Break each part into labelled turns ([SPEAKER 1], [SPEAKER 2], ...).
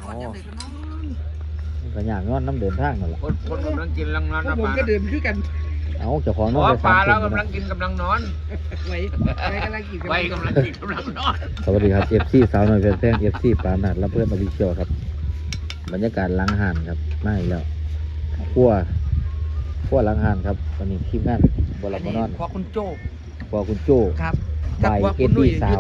[SPEAKER 1] ก็อย่างนอนน้ำเดินทางนั่นแหละ
[SPEAKER 2] คนกำลังกินกำลังนอนนะ
[SPEAKER 3] ผม
[SPEAKER 2] ปลา
[SPEAKER 3] ก็เดินคือกัน
[SPEAKER 1] เอาเจ้าของน
[SPEAKER 2] เพ
[SPEAKER 1] อน
[SPEAKER 2] ราะ
[SPEAKER 1] ไป
[SPEAKER 2] ปลา
[SPEAKER 1] 3
[SPEAKER 2] เรา
[SPEAKER 1] ทุ่ม
[SPEAKER 2] กำลังกินกำลังนอน
[SPEAKER 3] ไว้กำลังกิน
[SPEAKER 2] ไว้กำลังกินกำลังนอน
[SPEAKER 1] สวัสดีครับ FC สาวน้อยแฟน FC ปราณัฐและเพื่อนอภิเชียวครับบรรยากาศล้างห่านครับมาอีกแล้วขั้วล้างห่านครับวันนี้ทีมงานบอลมานอน
[SPEAKER 3] พอคุณโจ
[SPEAKER 1] พอคุณโจ้
[SPEAKER 3] ครับ
[SPEAKER 1] ใบเอ็ดดี้สาว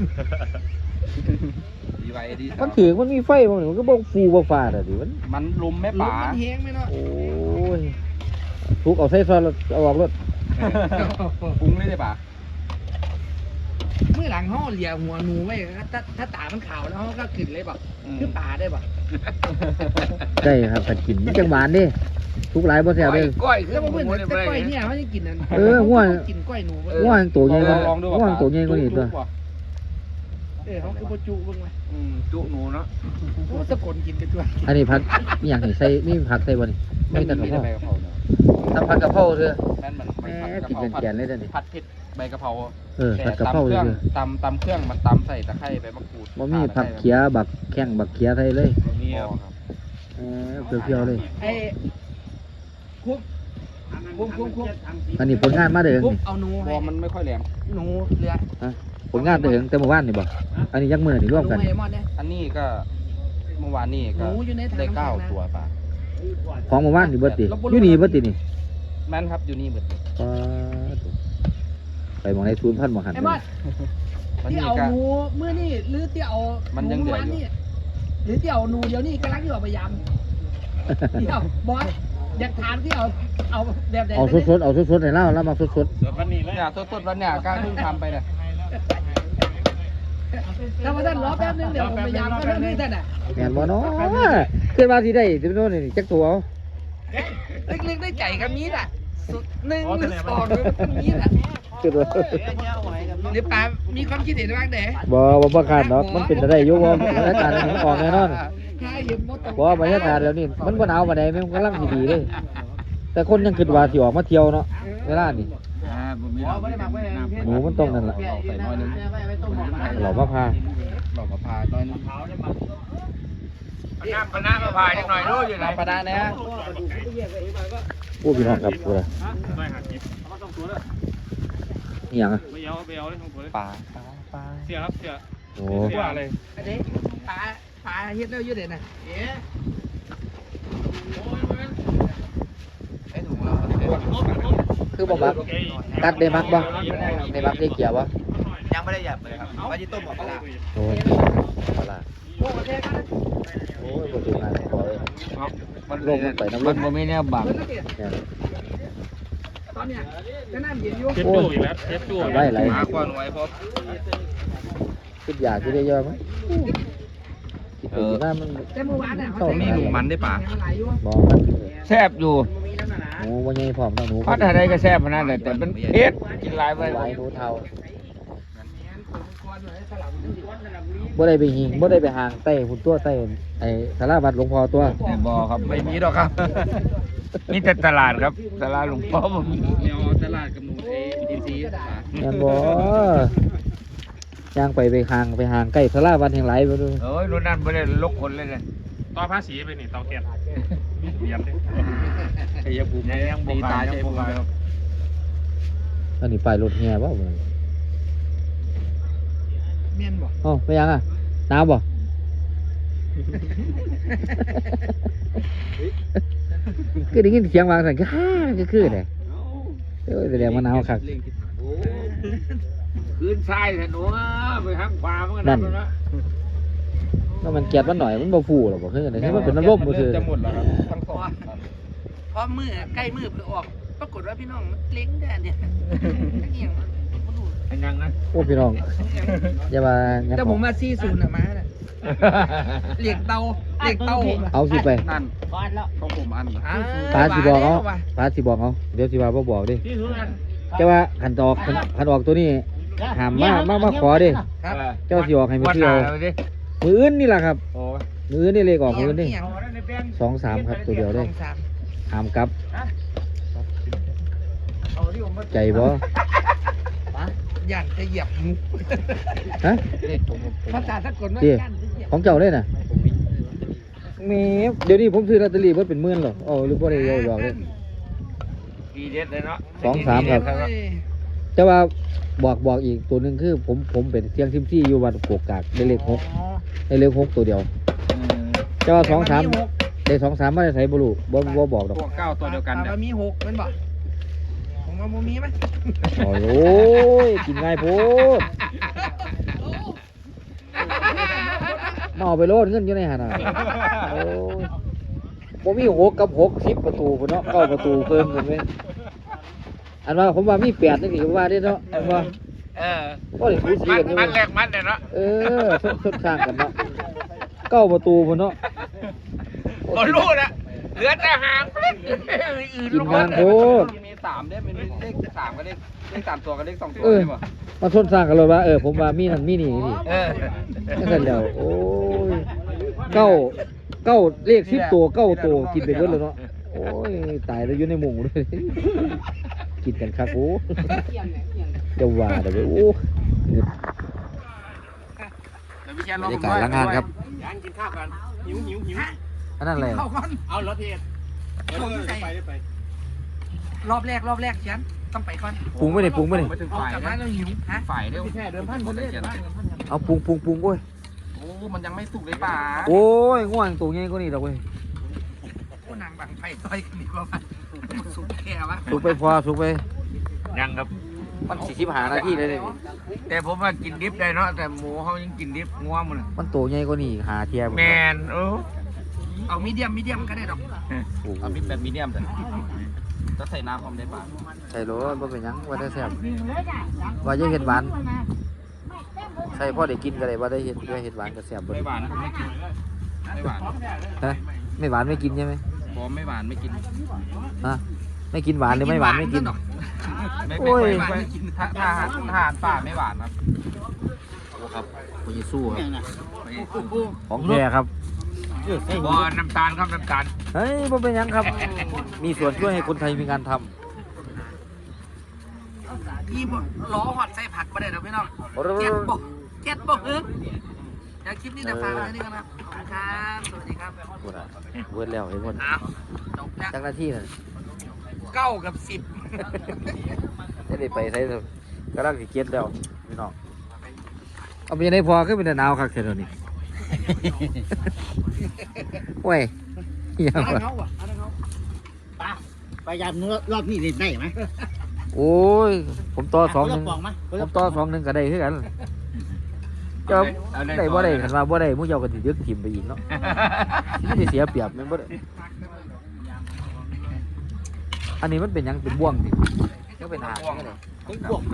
[SPEAKER 4] ดีไว้ดี
[SPEAKER 1] มันถือมันมีไฟมันก็บ่ฟูบ่ฟ้าแต่ดิมัน
[SPEAKER 4] มันลุมแม่
[SPEAKER 3] ล
[SPEAKER 4] ป่าม
[SPEAKER 3] มันแห้งไหมเนาะ
[SPEAKER 1] โอ้ยทุกเอาใส่ซอยแล้วเอาออกรถ
[SPEAKER 4] ปรุงเลยได้ป่ะ
[SPEAKER 3] เมื่อหลังห่อเหลี่ยหัวหนูไว้ถ้าตามันขาวแล้วเขาก็ขึ้นเลยแบบคือป่าได้ป่ะ
[SPEAKER 1] ได้ครับถ้ากินมันจังหวานเด้ทุกหลายบ่แซ่บเด้
[SPEAKER 2] ก้อยคือ
[SPEAKER 3] แล้ว
[SPEAKER 2] ห
[SPEAKER 3] เพื่อน
[SPEAKER 2] มู
[SPEAKER 3] แต่
[SPEAKER 2] เนี่ย
[SPEAKER 3] ก้อยเนี่ยเขาจะกินนั่นกินก้อยหนู
[SPEAKER 1] ง่วงตัวใหญ่กว่าง่วงตัวใหญ่กว่านี้ตัว
[SPEAKER 3] เขาคือโปจุเบิ่งไหม
[SPEAKER 2] จุหนูเนาะ
[SPEAKER 3] สะกดกินไปด้วย
[SPEAKER 1] อันนี้ผักมีหยังให้ใส่มีผักใส่บ่นี่ไม่แต่กะเพรา
[SPEAKER 4] ใบกะเพรา
[SPEAKER 1] ทำผัดกะเพราเถอะ
[SPEAKER 4] แม่นมัน
[SPEAKER 1] แหมกินแกนๆเลยเด้อนี่
[SPEAKER 4] ผัดเผ็ดใบกะเพรา
[SPEAKER 1] ผัดกะเพรา
[SPEAKER 4] เค
[SPEAKER 1] เถ
[SPEAKER 4] รื่อง
[SPEAKER 1] อะ
[SPEAKER 4] ตำเครื่องมันตำใส่ตะไคร้ใบมะกรูด
[SPEAKER 1] บ่มีผักเขียบักแข้งบักเขียใส่เลย
[SPEAKER 2] มี
[SPEAKER 4] ครับ
[SPEAKER 1] เปรี้ยวๆเลย
[SPEAKER 3] ไอ้คุก
[SPEAKER 1] อันนี้ผลงานมาเด้อ
[SPEAKER 3] คุก
[SPEAKER 1] นี่
[SPEAKER 3] เอาหนู
[SPEAKER 4] บอมันไม่ค่อยแหลม
[SPEAKER 3] หนูเรือ
[SPEAKER 1] ผลงานเด้อแต่เมื่อวานนี่บ่อันนี้ยักมื้อนี่รวมกัน
[SPEAKER 3] หนูไอ้มอดเนี่ย
[SPEAKER 4] อันนี้ก็เมื่อวานนี่
[SPEAKER 3] ห
[SPEAKER 4] ก็
[SPEAKER 3] นูอยู่ในถัง
[SPEAKER 4] ได้
[SPEAKER 3] น้ำแข็งนะ
[SPEAKER 4] 9 ตัวป่ะ
[SPEAKER 1] ของเมื่อวานนี่เบิดติอยู่นี่เบิดตินี่
[SPEAKER 4] แม่นครับอยู่นี่หมดเลย
[SPEAKER 1] ไปมองใน0,000บ่หัน
[SPEAKER 3] ไอ้มอด
[SPEAKER 4] วัน
[SPEAKER 3] ที่
[SPEAKER 4] นี้
[SPEAKER 3] เอา
[SPEAKER 4] ก็
[SPEAKER 3] หนูเมื่อนี่หรือที่เอา
[SPEAKER 4] มันยังเหลืออยู่
[SPEAKER 3] หรือที่เอาหนูเดี๋ยวนี้กำลังอยู่พยายามที่เอาบอสอยากทานที่เอาแบบไหน
[SPEAKER 1] เอาสดๆเอาสดๆให้เราแล้วมาสด
[SPEAKER 4] เนี่ยสดๆวันเนี่ยกล้าเพิ่งทำไปเนี่ย
[SPEAKER 3] ถ้าว่าท่านรอแป๊บนึงเดี๋ยวผมพยายามก็เรื่องนี้ท่านอ่ะ
[SPEAKER 1] ๆแม่นบ่เนาะขึ้นมาสิได้สิโน่นนี่จักตัวเอา
[SPEAKER 3] เล็กๆได้ใจกับมีดอ่ะหนึ่งหรือสองหรือมีดอ่ะ
[SPEAKER 1] ขึ้นมา
[SPEAKER 3] หรือป้ามีความคิดเห็นว่าไง
[SPEAKER 1] บ่คาดเนาะมันเป็นได้อยู่บ่บรรยากาศมันออกแน่นอน
[SPEAKER 3] ใช่ยืมมด
[SPEAKER 1] บ่บรรยากาศแล้วนี่มันบ่หนาวปานใดมันกำลังสิดีเลยแต่คนยังคิดว่าสิออกมาเที่ยวเนาะเวลานี่
[SPEAKER 2] ผมมี
[SPEAKER 1] หมูมันต้องนั่นล่ะ
[SPEAKER 4] ใส่น้อยนึง
[SPEAKER 1] เรามาพา
[SPEAKER 4] เราก็พาน้อยนึง
[SPEAKER 2] น้ำปลามาพายจังหน่อยรู้อยู่ไหน
[SPEAKER 4] ปลาดาเนี่ย
[SPEAKER 1] โอ้พี่น้องครับพูดนี่หยังอะ
[SPEAKER 5] ไม่เอาเลยของผมเลย
[SPEAKER 4] ปลา
[SPEAKER 5] เสียครับเสีย
[SPEAKER 1] โอ้
[SPEAKER 5] เสียอะไร
[SPEAKER 3] อันนี้ป้าเฮ็ดแล้วยืดเด่นนะเอ๊ะ
[SPEAKER 4] ไอ้ถุงเรา
[SPEAKER 1] คือบ่มักกัดได้มักบ่ได้มักได้เกี่ยวบ่
[SPEAKER 4] ยังไม่ได้หยับเลยครับว่าจะต้มหมดปลา
[SPEAKER 1] โอ้ยปลา
[SPEAKER 3] โอ้ประเทศกัน
[SPEAKER 1] โอ้ยบ่ถึงงานขอเลย
[SPEAKER 2] มันลงไปน้ำมันบ่มีแนวบัง
[SPEAKER 3] เพิ่นก็เปลี่ยน
[SPEAKER 1] เนี่ย
[SPEAKER 3] ตอนเนี้ยก็น้ำเย็นอยู่
[SPEAKER 5] เช็ดตู้อีกแล้วเช็ดตู้
[SPEAKER 1] ไว้ไหล
[SPEAKER 4] หาควันไว้เพราะ
[SPEAKER 1] คิดอยากสิได้เยอะมั้ยคิดไปคิดมามัน
[SPEAKER 3] แต่เมื่อวานน่ะเขา
[SPEAKER 4] มีหนูมันได้ป่ะ
[SPEAKER 3] ไหลอยู่
[SPEAKER 1] บ่มัน
[SPEAKER 2] แซ่บอยู่
[SPEAKER 1] หมูบ่ใหญ่พร้อมเนาะหนู
[SPEAKER 2] พัดอะไรก็แซ่บขนาดนั้นแต่มันเผ็ดกินหลายไป
[SPEAKER 1] หลายหนูเท่าบ่ได้ไปหิงบ่ได้ไปหางใต้หุ่นตัวใต้ไอ้สาราวัดหลวงพ่อตัว
[SPEAKER 2] แต่บ่ครับไม่มีหรอกครับมีแต่ตลาดครับตลาดหลวงพ่อบ่มี
[SPEAKER 4] เดี๋ยวตลาดกับหนูอินซี
[SPEAKER 1] แม่นบ่ย่างไปหางใกล้สาราวัดแห่งหลายบ่ดู
[SPEAKER 2] เอ้ยรุ่นนั้นบ่ได้ลกคนเลยเนี่ย
[SPEAKER 5] ต่อภาษีไปนี่เตาแก๊สเยี่ยมดิ
[SPEAKER 4] ชัยภูมิ
[SPEAKER 2] ยังบ่
[SPEAKER 4] ตี
[SPEAKER 2] ขา
[SPEAKER 4] ตาย
[SPEAKER 2] ยัง
[SPEAKER 4] ชัย
[SPEAKER 2] บ่
[SPEAKER 4] ภูมิ
[SPEAKER 2] ขายครับ
[SPEAKER 1] อันนี้ป้ายรถแห่บ่
[SPEAKER 3] เมียนบ่
[SPEAKER 1] อ๋อไปยังอ่ะหนาวบ่ คือได้ยินเสียงวางสั่นก็ฮ่าก็คือเด้แสดงว่าหนาวคัก
[SPEAKER 2] คืนทรายแต่หนูไปทางขวามันก็นั่นนะ
[SPEAKER 1] แล้วมันเกลียดมันหน่อยมันบ่ฟูหรอกบ่คือจังได๋มันเป็นน้ำลมบ่ซื่อ
[SPEAKER 4] จะหมดแล้วครับทั้งสอง
[SPEAKER 3] พอมือใกล้มือเพื่อออกปรากฏว่าพี่น้องมันเล้งได้เนี่ยทั้งเอียงมันบ่รู้
[SPEAKER 2] อันยังนะ
[SPEAKER 1] โอ้พี่น้องอย่าว่างั้น
[SPEAKER 3] แต่ผมมา40น่ะมาน่ะเหล็กเตา
[SPEAKER 1] เอาสิไป
[SPEAKER 4] นั่นของผมอัน
[SPEAKER 1] ปาสิบอกเอาปาสิบอกเอาเดี๋ยวสิว่าบ่บอกดิ
[SPEAKER 5] ที่สุดกัน
[SPEAKER 1] แต่ว่าคันออกตัวนี้ห้ามมาขอดิ
[SPEAKER 3] ครับ
[SPEAKER 1] เจ้าสิออกให้มื้อ
[SPEAKER 2] วัน
[SPEAKER 1] เที่
[SPEAKER 2] ห
[SPEAKER 1] ยว
[SPEAKER 2] น้าเลยดิ
[SPEAKER 1] มื้ออื่นนี่ล่ะครับ
[SPEAKER 2] โอ้
[SPEAKER 1] มื้ออื่นนี่เลขออกมื้ออื่นนี่
[SPEAKER 3] เอียง
[SPEAKER 1] 2 3ครับตัวเดียวเด้
[SPEAKER 3] สองสาม
[SPEAKER 1] ห้ามกลับ ใจบ่
[SPEAKER 3] ย่านจะเหยียบมุก
[SPEAKER 1] ฮะ
[SPEAKER 3] ภาษาสากลว่า
[SPEAKER 1] เดี๋ยว
[SPEAKER 3] ย่านจะเหยียบ
[SPEAKER 1] ของเจ้าเด้น่ะแม่เดี๋ยวนี้ผมซื้อลอตเตอรี่เพิ่นเป็นหมื่นหรออ๋อหรือบ่ได้เอาดอกเลย
[SPEAKER 2] ดีเด็ดเลยเนาะ
[SPEAKER 1] 2-3ครับแต่ว่าบอกอีกตัวหนึงคือผมเป็นเสียงซิมซี่อยู่วัดโกกากได้เลข6ได้เลข6ตัวเดียวแต่ว่า2-3ได้2-3มาได้ใส่บ่รู้บ่บอกดอก
[SPEAKER 4] พวก9ตัวเดียวกันเนี่ย
[SPEAKER 3] มันมี6มันบ่ผมว่าบ่มีไหม
[SPEAKER 1] โอ้ยกินง่ายโพดมาเอาไปโลดเงินอยู่ในหั่นน่ะโอ้ยบ่มี6กับ6 10ประตูพุ่นเนาะ9ประตูเพิ่มขึ้นเว้ยอันว่าผมว่ามี8นี่ก็ว่าได้เนาะอันว่า ก็ได้คุยสีกันอยู่
[SPEAKER 2] มันแรกมันเลยเนาะ
[SPEAKER 1] ชดข้างกันเนาะ9ประตูพุ่นเนาะ
[SPEAKER 2] บ่รู้นะเหลือแต่หางอื่น
[SPEAKER 1] กินงานโพด
[SPEAKER 4] มี3เนี่ยเป็นเลข3กับเลข3ตัวกับเลข2ตัว
[SPEAKER 1] เออ
[SPEAKER 4] ใช่ป่ะ
[SPEAKER 1] มาชนสร้างกันเลยว่าผมว่ามีนั่นมีนี่นี่ นั่นแหละโอ้ยเก้าเลข10ตัว9ตัวกินไปเบิดแล้วเนาะโอ้ยตายแล้วอยู่ในหมู่เลยกินกันคักโอ้จะว่าเด้อเว้ยโอ้บรรยากาศหลังงานครับ
[SPEAKER 4] ยังกินข้าวกันหิว
[SPEAKER 1] อันนั้นอะไร
[SPEAKER 3] เข้าก่อน
[SPEAKER 4] เอารถเทศไป
[SPEAKER 3] รอบแรกฉันต้องไปก่อน
[SPEAKER 1] ปรุงไม่ได้ปรุงไม่ได้
[SPEAKER 4] ไม่ถึง
[SPEAKER 3] ออก
[SPEAKER 4] ฝ่าย
[SPEAKER 3] จากบ้านแล้วหิวฮะ
[SPEAKER 4] ฝ่ายเร็ว
[SPEAKER 3] แค่เดิมพันคนเล่น
[SPEAKER 1] เอาปรุงโอ้ย
[SPEAKER 4] โอ้มันยังไม่สุกเลยป่า
[SPEAKER 1] โอ้ยง่วงตัวใหญ่กว่านี้ดอกเว้ย
[SPEAKER 3] ผู้นางบังไฟต่อยกันดีกว่ามันสุดแค่วะ
[SPEAKER 1] สุกไปพอสุกไป
[SPEAKER 2] ยังครับ
[SPEAKER 1] มัน45 นาทีเลยเนี่ย
[SPEAKER 2] แต่ผมว่ากินดิบได้เนาะแต่หมูเขายังกินดิบงัวมัน
[SPEAKER 1] มันตัวใหญ่กว่านี้หาเทียบ
[SPEAKER 2] แมน
[SPEAKER 3] เอามีเดียมก็ได้ดอก
[SPEAKER 4] เอามีแบบมีเดียมแต่จะใส่น้ำพร้อมได้ป่า
[SPEAKER 1] ใส่โหลบ่เป็นหยังว่าได้แซ่บว่าจะเห็ดหวานใส่พ่อได้กินก็ได้ว่าได้เห็ดหวานก็แซ่บบ่
[SPEAKER 4] ไม่หวานไม่กินไม่หวาน
[SPEAKER 1] ฮะไม่หวานไม่กินใช่ไหม
[SPEAKER 4] พอไม่หวานไม่กิน
[SPEAKER 1] ฮะไม่กินหวานหรือไม่หวานไม่กิน
[SPEAKER 4] ไม่
[SPEAKER 1] โอ้ย
[SPEAKER 4] ไม่กินถ้าอาหารป่าไม่หวานครับ
[SPEAKER 1] โอ้ครับคุณยิสู้ครับของแท้ครับ
[SPEAKER 2] บ่น้ำตาลครับน้ำตาล
[SPEAKER 1] เฮ้ยบ่เป็นหยังครับ มีส่วนช่วยให้คนไทยมีงานทำ
[SPEAKER 3] พี่ล้อหอดใส่ผักมาได้ดอกพี่น้องเก็ตบ่ฮึเดี๋ยวคลิปนี้จะฟังอะไรนี่กันครับขอบคุณครับสวัสดีครับ
[SPEAKER 1] พูดอ่ะเวิร์ดแล้วเห็นบ่
[SPEAKER 3] อ้าวจบแล้ว
[SPEAKER 1] จักหน้าที่น่ะ
[SPEAKER 3] 9 กับ
[SPEAKER 1] จะได้ไปใส่กำลังสิเก็บแล้วพี่น้องเอาไปยังไงพอขึ้นเป็นหนาวคักเท่านี้ โอ้ย
[SPEAKER 3] 10
[SPEAKER 1] ยัง
[SPEAKER 3] อะไร
[SPEAKER 1] วะ
[SPEAKER 3] เขาอ่ะอะไรเขา
[SPEAKER 6] ไปยามรอบนี้เล่นได้ไหม
[SPEAKER 1] โอ้ยผมต่อ2-1
[SPEAKER 6] ปองไหม
[SPEAKER 1] ผมต่อ2-1ก็ได้คือกันเจ้าได้บ่ได้คันว่าบ่ได้หมู่เจ้าก็สิยึกถิ่มไปอีกเนาะสิเสียเปรียบแม่นบ่ได้อันนี้มันเป็นหยังเป็นบ่วงดิก็เป็นหางนี่เลย
[SPEAKER 6] บวก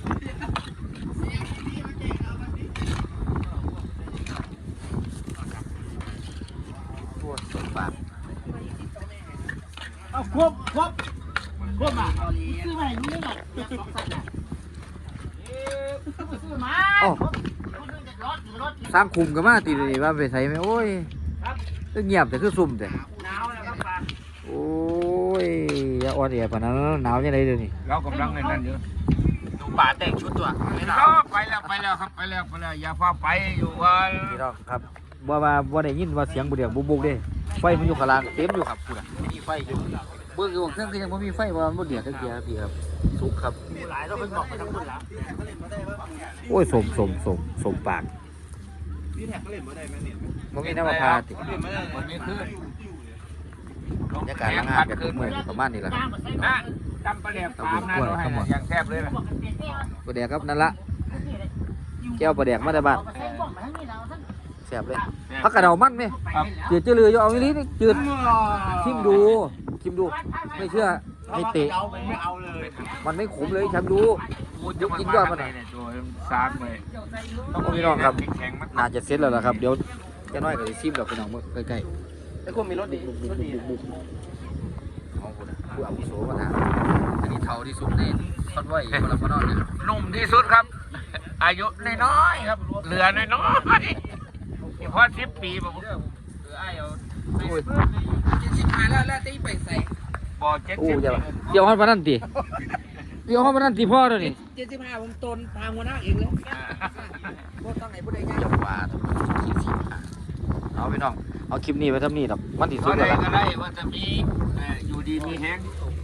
[SPEAKER 1] ตัวสดปาก
[SPEAKER 6] เอาครบอ่ะซื้อมาอยู่นี่แหละ
[SPEAKER 1] อ้อสร้างคุมกันมาติดนี่ว่าไปใส่ไหมโอ้ยเงียบแต่คือซุ่มแต่
[SPEAKER 3] หนาวแล้วครับป้า
[SPEAKER 1] โอ้ยอย่าอ่อนแอปานนั้นหนาวยังไงเดี๋ยวนี้
[SPEAKER 2] เรากำลังในนั้นอยู่
[SPEAKER 3] ดูป่าแต่งชุดตัวไม่หนาว
[SPEAKER 2] ไปแล้วครับไปแล้วอย่าฟ้าไปอยู่ว่า
[SPEAKER 1] พี่น้องครับบ่ได้ยินว่าเสียงบุเดียกบุกเด้ไฟมันอยู่ข้างล่างเต็มอยู่ครับคุณอ่ะมีไฟอยู่เบิ่งอยู่เครื่องก็ยังบ่มีไฟว่ามันบ่เดือดจักเทียพี่ครับสุกครับ
[SPEAKER 3] หลายเราเป็นบอกไปทั้งหมดแล้ว
[SPEAKER 1] โอ้ยสมปาก
[SPEAKER 4] พี่แท็กก็เล่นมาได้ไหมเนี่ย
[SPEAKER 1] บ่มีน้ำมะพร้าวติ
[SPEAKER 4] เล่นมาได้มันไม่ขึ้น
[SPEAKER 1] บรรยากาศล้างงานแบบเมื่อยประมาณนี้แหละครับ
[SPEAKER 2] นะจำปลาแหลกปามนะเราให้อย่างแซ่บเลยนะ
[SPEAKER 1] ปลาแดกครับนั่นละแก้วปลาแดกมาแต่บ้านแซ่บเลยผักกระเดามันไหม
[SPEAKER 2] ครับ
[SPEAKER 1] จืดจืดเลยเอาอีหลีนี่จืดชิมดูไม่เชื่อให้เตะ
[SPEAKER 3] ไม่เอาเลย
[SPEAKER 1] มันไม่ขมเลยชิมดูยกกินยอดมันหน่อย
[SPEAKER 2] ตัวซากไป
[SPEAKER 1] พี่น้องครับ
[SPEAKER 2] แข็งมัน
[SPEAKER 1] น่าจะเสร็จแล้วล่ะครับเดี๋ยวแกน้อยก็จะชิมดอกพี่น้องใกล้
[SPEAKER 4] ไอ้คนมีรถดีรถดี
[SPEAKER 1] ๆเอาคนผู้อาวุโสมาถามอันนี้เท่าที่สุดในทอดไว้คนละคนนอนเนี่ย
[SPEAKER 2] หนุ่มที่สุดครับ อายุน้อยๆครับเหลือน้อยๆพอ10 ปีผม
[SPEAKER 1] โอ้ย
[SPEAKER 3] 75แล้วตีไปใส่
[SPEAKER 2] บ่70
[SPEAKER 1] โอ้ยอย่าเดี๋ยวห้องพนันตีเดี๋ยวห้องพนันตีพ่อเดี๋ยวนี้
[SPEAKER 3] 75ผมตนทางหัวหน้าเองเลยบ่ต้องไหนผู้ใดง่าย
[SPEAKER 1] จะว่าขี้สิเอาพี่น้องเอาคลิปนี้ไปทำนี่ดอกมันที่สุ
[SPEAKER 2] ก็
[SPEAKER 1] ดแล้
[SPEAKER 2] ได้
[SPEAKER 1] วล่ะ
[SPEAKER 2] ก็ได้ว่าจะมีอยู่ดีมีแฮง